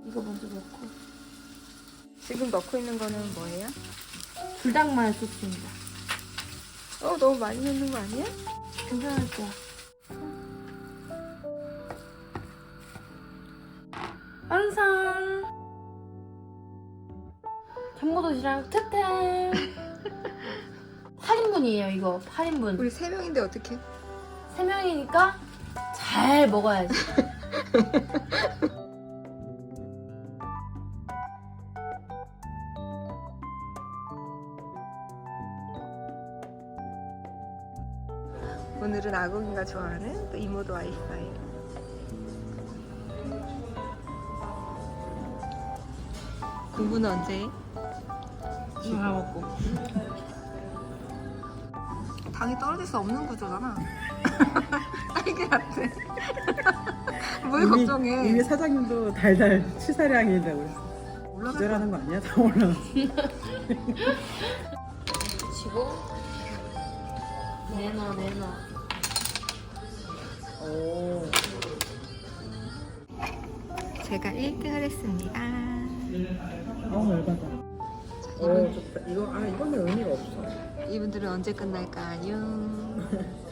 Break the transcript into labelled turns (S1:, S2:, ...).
S1: 이거 먼저 넣고.
S2: 지금 넣고 있는 거는 뭐예요?
S1: 불닭마요 소스입니다.
S2: 너무 많이 넣는 거 아니야?
S1: 괜찮을 거야. 완성! 전무도시락 특템! 8인분이에요 이거. 8인분.
S2: 우리 3명인데 어떡해?
S1: 3명이니까 잘 먹어야지.
S2: 오늘은 아궁이가 좋아하는 또 이모도 와이파이. 공부는 언제 해?
S1: 지금 다 먹고.
S2: 당이 떨어질 수 없는 구조잖아. 딸기 같아. 뭘 걱정해.
S3: 이미 사장님도 달달 치사량이라고 그랬어.
S2: 올라갈
S3: 기절하는 거 아니야? 다 올라.
S1: 치고 내놔.
S3: 오.
S2: 제가 1등을 했습니다.
S3: 열받아. 좋다. 이거는 의미가 없어.
S2: 이분들은 언제 끝날까요?